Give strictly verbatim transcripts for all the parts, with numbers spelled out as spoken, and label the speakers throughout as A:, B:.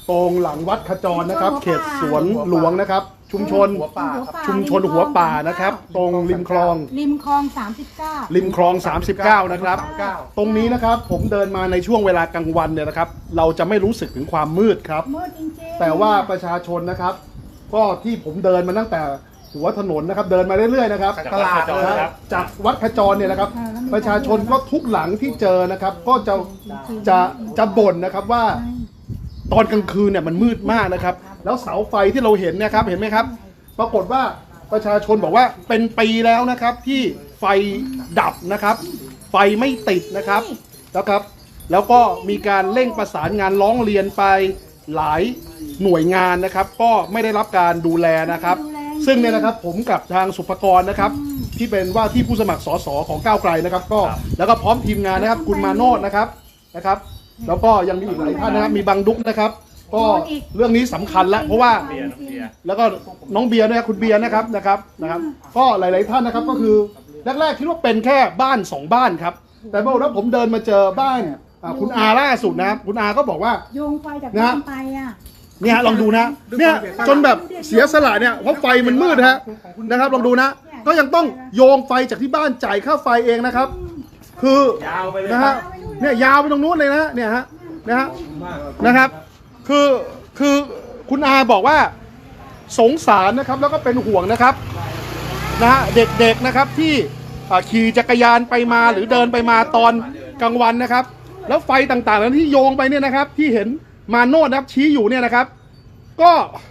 A: ตรงหลังวัดขจรนะครับเขตสวนหลวงนะครับชุมชนชุมชนหัวป่านะครับตรงริมคลอง
B: ริมคลองสามสิบเก้า
A: ริมคลองสามสิบเก้านะครับตรงนี้นะครับผมเดินมาในช่วงเวลากลางวันเนี่ยนะครับเราจะไม่รู้สึกถึงความมืดครับ
B: มืดจริงๆ
A: แต่ว่าประชาชนนะครับก็ที่ผมเดินมาตั้งแต่หัวถนนนะครับเดินมาเรื่อยๆนะครับตลาดนะครับจากวัดขจรเนี่ยนะครับประชาชนก็ทุกหลังที่เจอนะครับก็จะจะจะบ่นนะครับว่าตอนกลางคืนเนี่ยมันมืดมากนะครับแล้วเสาไฟที่เราเห็นเนี่ยครับเห็นไหมครับปรากฏว่าประชาชนบอกว่าเป็นปีแล้วนะครับที่ไฟดับนะครับไฟไม่ติดนะครับแล้วครับแล้วก็มีการเร่งประสานงานร้องเรียนไปหลายหน่วยงานนะครับก็ไม่ได้รับการดูแลนะครับซึ่งเนี่ยนะครับผมกับทางสุภกรนะครับที่เป็นว่าที่ผู้สมัครสสของก้าวไกลนะครับก็แล้วก็พร้อมทีมงานนะครับคุณมาโนดนะครับนะครับแล้วก็ยังมีอีกหลายท่านนะครับมีบังดุกนะครับก็เรื่องนี้สำคัญแล้วเพราะว่าแล้วก็น้องเบียร์นะครับคุณเบียร์นะครับนะครับนะครับก็หลายๆท่านนะครับก็คือแรกๆคิดว่าเป็นแค่บ้านสองบ้านครับแต่เมื่อวันผมเดินมาเจอบ้านคุณอาล่าสุดนะครับคุณอาก็บอกว่า
B: โยงไฟจากบ้านไปอ่ะ
A: เนี่ยลองดูนะเนี่ยจนแบบเสียสละเนี่ยเพราะไฟมันมืดฮะนะครับลองดูนะก็ยังต้องโยงไฟจากที่บ้านจ่ายค่าไฟเองนะครับคือนะฮะเนี่ยยาวไปตรงนู้นเลยนะเนี่ยฮะนะฮะนะครับคือคือคุณอาบอกว่าสงสารนะครับแล้วก็เป็นห่วงนะครับนะฮะเด็กๆนะครับที่ขี่จักรยานไปมาหรือเดินไปมาตอนกลางวันนะครับแล้วไฟต่างๆนั้นที่โยงไปเนี่ยนะครับที่เห็นมาโนดนะครับชี้อยู่เนี่ยนะครับก็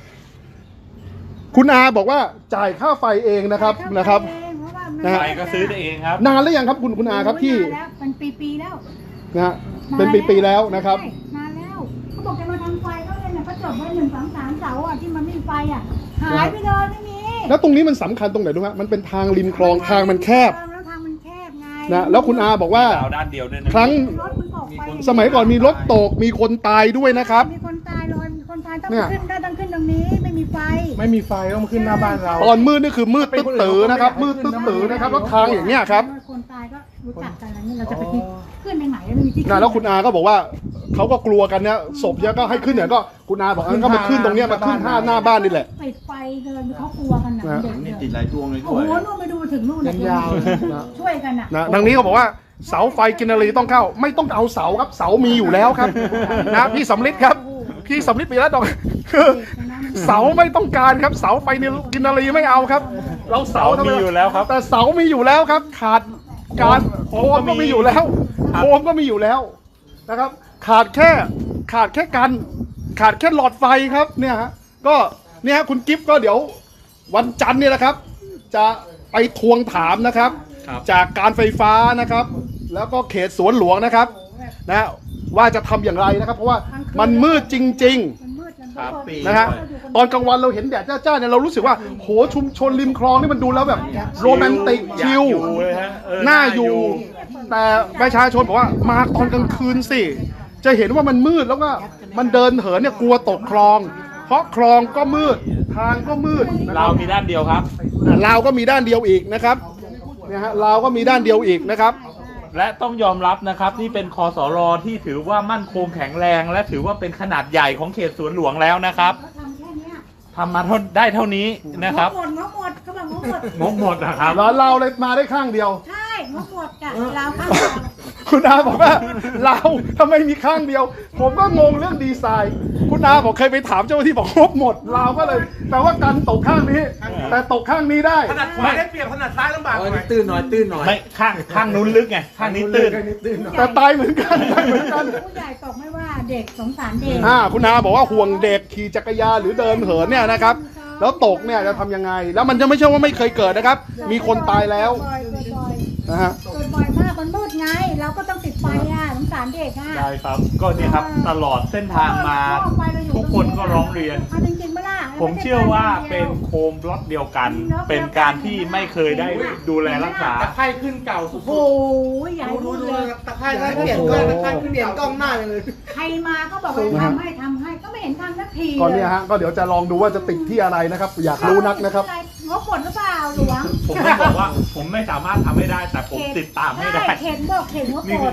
A: คุณอาบอกว่าจ่ายค่าไฟเองนะครับนะครับ
C: ไฟก็ซื้อได้เองครับ
A: นานแล้วยังครับคุณคุณอาครับที่
B: เป็นปีๆแล้ว
A: นะฮะเป็นปีๆแล้วนะครับ
B: นานแล้วเขาบอกจะมาทำไฟเขาเนี่ยเขาจบไว้หนึ่งสองสามเสาอ่ะที่มันไม่มีไฟอ่ะหายไปเลยไม่มี
A: แล้วตรงนี้มันสำคัญตรงไหนรู้ไหมมันเป็นทางริมคลองทางมันแคบ
B: แล้วทางมันแคบไง
A: นะแล้วคุณอาบอกว่า
C: ด้านเดียวด้วยนะ
A: ครั้งสมัยก่อนมีรถตกมีคนตายด้วยนะครับ
B: มีคนตายลอยมีคนตายต้องขึ้นได้ต้องขึ้นตรงนี้ไม่มีไฟ
D: ไม่มีไฟต้องขึ้นหน้าบ้านเรา
A: ตอนมืดนี่คือมืดตึ๊ดตื้อนะครับมืดตึ๊ดตื้อนะครับแล้วทางอย่างเงี้ยครับ
B: คนตายก็รู้จักกันแล้วนี่เราจะไปขึ้นไปไหนแล้วไม่มีที่
A: นะแล้วคุณอาก็บอกว่าเขาก็กลัวกันเนี่ยศพเนี่ยก็ให้ขึ้นเนี่ยก็คุณอาบอกงั้นก็มาขึ้นตรงเนี้ยมาขึ้นท่าหน้าบ้านนี่แหละ
B: ปิดไฟเดินเขากลัวกันนะเด็ก
C: นี่ติดหลายดวงเลยด้วย
B: โอ้โหนู่นไปดูถึงนู่นเลยยาวช่วยกัน
A: นะทางนี้เขาบอกว่าเสาไฟกินนารีต้องเข้าไม่ต้องเอาเสาครับเสามีอยู่แล้วครับนะพี่สำลิดครับพี่สำลิดปีแล้วดอกคือเสาไม่ต้องการครับเสาไฟกินนารีไม่เอาครับเราเสา
C: มีอยู่แล้วครับ
A: แต่เสามีอยู่แล้วครับขาดการโคมก็มีอยู่แล้วโคมก็มีอยู่แล้วนะครับขาดแค่ขาดแค่กันขาดแค่หลอดไฟครับเนี่ยฮะก็เนี่ยคุณกิฟต์ก็เดี๋ยววันจันทร์เนี่ยนะครับจะไปทวงถามนะครับจากการไฟฟ้านะครับแล้วก็เขตสวนหลวงนะครับนะว่าจะทำอย่างไรนะครับเพราะว่ามันมืดจริงๆนะฮะตอนกลางวันเราเห็นแดดจ้าๆเนี่ยเรารู้สึกว่าโหชุมชนริมคลองนี่มันดูแล้วแบบโรแมนติกชิลน่าอยู่แต่ประชาชนบอกว่ามาตอนกลางคืนสิจะเห็นว่ามันมืดแล้วก็มันเดินเหินเนี่ยกลัวตกคลองเพราะคลองก็มืดทางก็มืด
C: เรามีด้านเดียวครับ
A: เราก็มีด้านเดียวอีกนะครับเนี่ยฮะเราก็มีด้านเดียวอีกนะครับ
C: และต้องยอมรับนะครับนี่เป็นคสรที่ถือว่ามั่นคงแข็งแรงและถือว่าเป็นขนาดใหญ่ของเขตสวนหลวงแล้วนะครับทำมาได้เท่านี้นะครับ
B: งบหมดงบหมดเขาบอกงบหมด
C: งบหมดนะครับ
A: เราเราเลยมาได้ข้างเดียว
B: ใช่งบหมดจ้ะเราข้าง
A: คุณอาบอกว่าเราทำไมมีข้างเดียวผมก็งงเรื่องดีไซน์คุณอาบอกเคยไปถามเจ้าหน้าที่บอกงบหมดเราก็เลยแต่ว่ากันตกข้างนี้แต่ตกข้างนี้ได้
D: ถนัดขวาได้เปรียบถนัดซ้ายลำบากหน่อยตื้นหน่อยตื้นหน่อย
C: ไม่ข้างข้างนู้นลึกไงข้างนี้ตื้น
A: แต่ตายเหมือนกันตายเหมือนกัน
B: ผู้ใหญ่ตกไม่ว่าเด็กสงสารเด็ก
A: อ่าคุณอาบอกว่าห่วงเด็กขี่จักรยานหรือเดินเหินเนี่ยนะครับแล้วตกเนี่ยจะทำยังไงแล้วมันจะไม่ใช่ว่าไม่เคยเกิดนะครับมีคนตายแล้วนะฮะ
B: เกิดบ่อยมากมันมืดไงเราก็ต้องติดไฟอ่ะสงสารเด็กอ่ะ
C: ใช่ครับก็เนี่ยครับตลอดเส้นทางมาทุกคนก็ร้องเรียนผมเชื่อว่าเป็นโคมล็อตเดียวกันเป็นการที่ไม่เคยได้ดูแลรักษา
D: ตะไคร่ขึ้นเก่าสุดๆ
B: โอ้ยใหญ่
D: ดูดูตะไคร่เปลี่ยนกล้องตะไคร่เปลี่ยนกล้องหน้าเลย
B: ใครมาก็บอกว่าทำให้ทำให้ก็ไม่เห็นทำสักที
A: ก่อนเนี่ยฮะก็เดี๋ยวจะลองดูว่าจะติดที่อะไรนะครับอยากรู้นักนะครับ
B: งบหมดหรือเปล่าหลวง
C: ผมไม่บอกว่าผมไม่สามารถทำให้ได้แต่ผมติดตามให้ได้
B: เข็นบอกเข็นงบหมด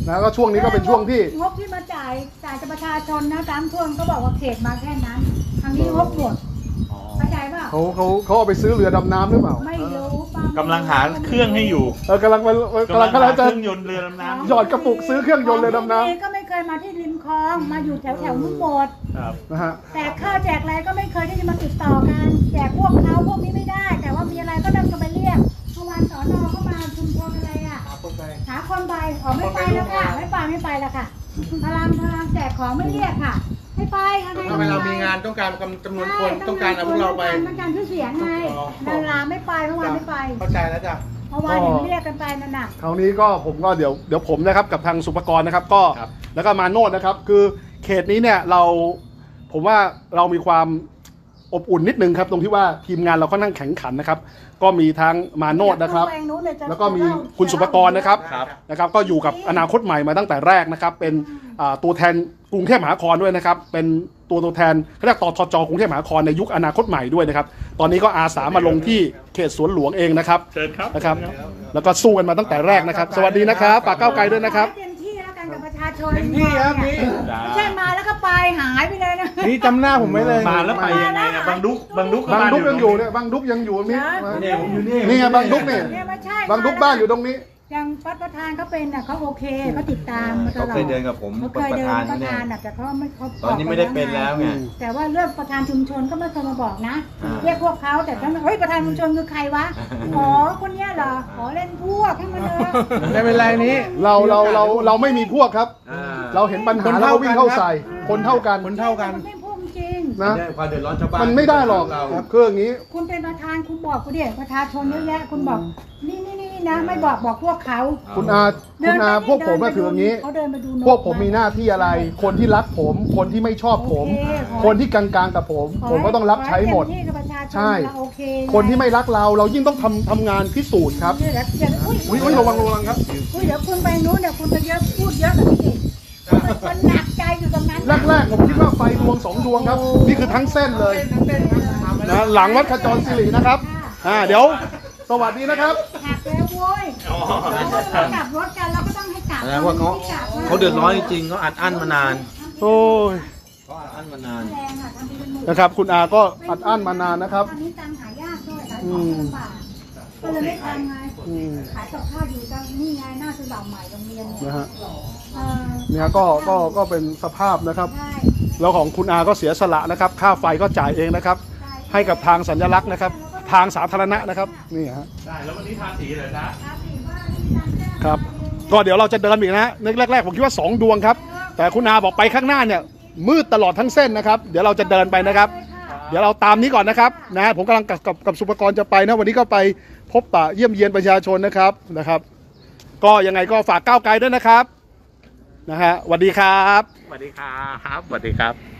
A: นะก็ช่วงนี้ก็เป็นช่วงที่
B: งบที่มาจ่ายจ่ายจากประชาชนนะตามท่วงก็บอกว่าเขตมาแค่นั้นทางนี้งบหมดเข้าใจป่ะ
A: เขาเขาเขาเอาไปซื้อเรือดำน้ำหรือเปล่า
B: ไม่รู้ป้าก
C: ำลังหาเครื่องให้อยู่
A: เออกำลังกำลัง
C: กำลัง
A: กำลัง
C: หาเค
A: จะ
C: รื่องยนต์เรือดำน้ำ
A: หยอดกระปุกซื้อเครื่องยนต์เรือดำน้
B: ก็ไม่เคยมาที่ริมคลองมาอยู่แถวแถวนุ่มบด
C: ครับ
A: ำนะฮะ
B: แจกข้าวแจกอะไรก็ไม่เคยที่จะมาติดต่อกันแจกพวกเขาพวกนี้ไม่ได้ แต่ว่ามีอะไรก็นำกันไปเรียกเมื่อวานสอนอเข้ามาชุมชนอะไรอ่ะหาคนไปอ๋อไม่ไปแล้วค่ะไม่ไปไม่ไปแล้วค่ะพลังพลังแจกของไม่เรียกค่ะไม่ไปค่ะ
D: ทำไมเรามีงานต้องการจำนวนคนต้องการเอาพวกเราไป
B: ต้องการชื่อเสียงไงดาราไม่ไปเมื่อวานไม่ไป
D: เข้าใจแล้วจ้ะ
B: เมื่อวานเห็นเรียกกันไปนั่นน่ะ
A: คราวนี้ก็ผมก็เดี๋ยวเดี๋ยวผมนะครับกับทางสุภกรนะครับก็แล้วก็มาโนดนะครับคือเขตนี้เนี่ยเราผมว่าเรามีความอบอุ่นนิดนึงครับตรงที่ว่าทีมงานเราค่อนข้างแข็งขันนะครับก็มีทั้งมาโนดนะครับแล้วก็มีคุณสุภกรนะครับนะครับก็อยู่กับอนาคตใหม่มาตั้งแต่แรกนะครับเป็นอ่าตัวแทนกรุงเทพมหานครด้วยนะครับเป็นตัวตัวแทนเขาเรียกตทจกรุงเทพมหานครในยุคอนาคตใหม่ด้วยนะครับตอนนี้ก็อาสามาลงที่เขตสวนหลวงเองนะครับ
C: เชิญครับ
A: นะครับแล้วก็สู้กันมาตั้งแต่แรกนะครับ สวัสดีนะครับปากเก้าวไกลด้วยนะครับ
B: เต็มที่แล้วกันกับประชาชน
D: เต็มที่ครับนี่
B: ไม่ใช่มาแล้วก็ไปหายไปเลยนะ
D: นี่จำหน้าผมไว้เลย
C: มาแล้วไปยังไงนะบางดุกบางดุก
A: บางดุก
C: บ้
A: ยังอยู่เนี่ยบางดุกยังอยู่นี่
D: เนี่ยผมอยู่นี่
A: นี่ไงบางดุกเนี่ย
B: เนี่ยไม่ใช่
A: บางดุกบ้านอยู่ตรงนี้
B: อย่างประธานเขาเป็นน่ะเขาโอเคเขาติดตามมาตลอด
E: เขาเคยเดินกับผม
B: เขา
E: เป็
B: เคน ย
E: ประ
B: เดิน
E: ธาน
B: ประ
E: เนี่ย
B: ธานน่ะแต่เขาไม่เขา
E: ตอนนี้ไม่ได้เป็นแล้วไง
B: แต่ว่าเรื่องประธานชุมชนก็ไม่เคยมาบอกนะ
E: อ่า
B: เรียกพวกเขาแต่ท่านเฮ้ยประธานชุมชนคือใครวะอ๋อคนเนี้ยเหรอขอเล่นพวกให้มันเลย
D: ไม่เป็นไรนี้
A: เราเราเราเราไม่มีพวกครับ
E: อ่า
A: เราเห็นปัญหา
D: คน
A: เรา
D: เท่า
A: ก็วิ่งเข้าใส่
D: กันครับ
A: คนเท่ากัน
D: คนเท่ากัน
B: ไม่พูดจริง
A: นะ
E: ได้ความเดือดร้อนชาวบ้าน
A: มันไม่ได้หรอก
E: เรา
A: ครับคืออย่างนี้
B: คุณเป็นประธานคุณบอกกูดิประชาชนเยอะแยะคุณบอกนี่นี่นี่นะไม่บอกบอกพวกเขา
A: คุณอาคุณอาพวกผมก็ถืออย่างนี้
B: เขาเดินไปดูน
A: พวกผมมีหน้าที่อะไร คนที่รักผม คนที่ไม่ชอบผม
B: โอเคขอ
A: คนที่กลางๆกับผม ผมก็ต้องรับใช้หมด
B: ขอเต็ที่กับประชาชน
A: ใช่
B: เราโอเค
A: คนที่ไม่รักเราเรายิ่งต้องทำทำงานพิสูจน์ครับ
B: เดี๋ยวเดี๋ยวอุ้ย
A: อุ้ยอุ้ยระวังระวังครับ
B: อุ้ยเดี๋ยวคุณไปนู้นเดี๋ยวคุณจะเยอะพูดเยอะกับพี่เอกมันหนักใจอยู่ตรงนั้น
A: แรกๆผมคิดว่าไฟดวงสองดวงครับ นี่คือทั้งเส้นเลยนะหลังวัดขจรศิรินะครับอ่าเดี๋ยวสวัสดีนะครับ
B: หักแล้วโว้ยเรากลับรถกันเราก็ต้องให้กลับ
E: แสดงว่าเขาเขาเดือดร้อนจริงๆเขาอัดอั้นมานาน
A: โอ้ย
E: เขาอัดอั้นมานาน
B: แรงอ่ะทำเป็นหมื่น
A: นะครับ คุณอาก็อัดอั้นมานานนะครับ
B: ตอนนี้ตังค์หายากด้วยขายของลำบากก็เลยไม่ทำไง
A: อืม
B: ขายกับข้าวอยู่ตรงนี่ไงหน้าซื้อบ่าวใหม่โรงเรียนเนี่ย
A: นะฮะ
B: เออ
A: เนี่ยก็ก็ก็เป็นสภาพนะครับ
B: ใช่
A: แล้วของคุณอาก็เสียสละนะครับ ค่าไฟก็จ่ายเองนะครับ ให้กับทางสัญลักษณ์นะครับ ทางสาธารณะนะครับนี่ฮะ
C: ได้แล้ววันนี้ทาสีเลยนะครับ
A: ก็เดี๋ยวเราจะเดินอีกนะในแรกๆผมคิดว่าสองดวงครับ แต่คุณอาบอกไปข้างหน้าเนี่ยมืดตลอดทั้งเส้นนะครับ เดี๋ยวเราจะเดินไปนะครับ เดี๋ยวเราตามนี้ก่อนนะครับนะผมกำลังกับกับกับสุภกรจะไปนะวันนี้ก็ไปพบปะเยี่ยมเยียนประชาชนนะครับนะครับ ก็ยังไงก็ฝากก้าวไกลด้วยนะครับนะฮะสวัสดีครับ
C: สวัสดีครับสวัสดีครับ